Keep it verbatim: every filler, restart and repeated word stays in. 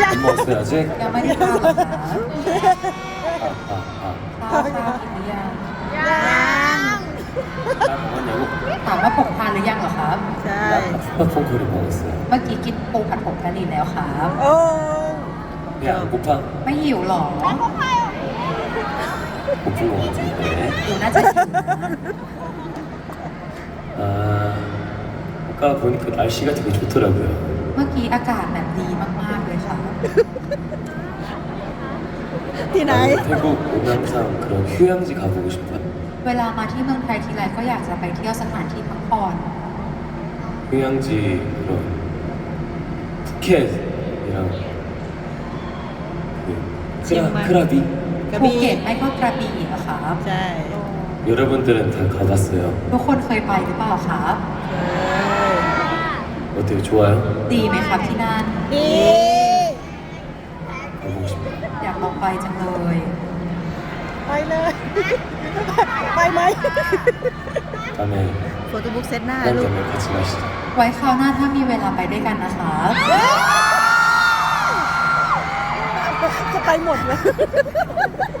안 먹었어요 아직? ยังไม่ได้ทานเหรอคะ 아, 아, ข้าวข้าวกินหรือยังยัง 아. 나 먹었냐고? ถามว่าผมทานหรือยังเหรอครับใช่ 나 푸파퐁크를 먹었어요. เมื่อกี้กินปูผัดผงกะหรี่แล้วครับโอ้ 배 안 고파? ไม่หิวหรอ 고픈 것 같은데. หิวน่าจะหิว 아, 아까 보니까 날씨가 되게 좋더라고요. เมื่อกี้อากาศแบบดีมากๆเลยครับที่ไหน 나는 태국 오면 항상 그런 휴양지 가보고 싶어요. เวลามาที่เมืองไทยทีไรก็อยากจะไปเที่ยวสถานที่พักผ่อน 휴양지 그런 푸켓이랑 그 치앙마이. 크라, 크라비 กระภูบี่เก็ตไม่ก็กระบี่อะครับใช่ 여러분들은 다 가봤어요. ทุกคนเคยไปหรือเปล่าครับเออ 어때요? 좋아요? ดีไหมครับที่นั่นดี 가보고 싶어요. อยากลองไปจังเลยไปเลย ไปไหม 다음에 โฟโต้บุ๊กเซตหน้า 시간 ลูก 되면 같이 마시자. ไว้คราวหน้าถ้ามีเวลาไปด้วยกันนะครับจะไปหมดเลย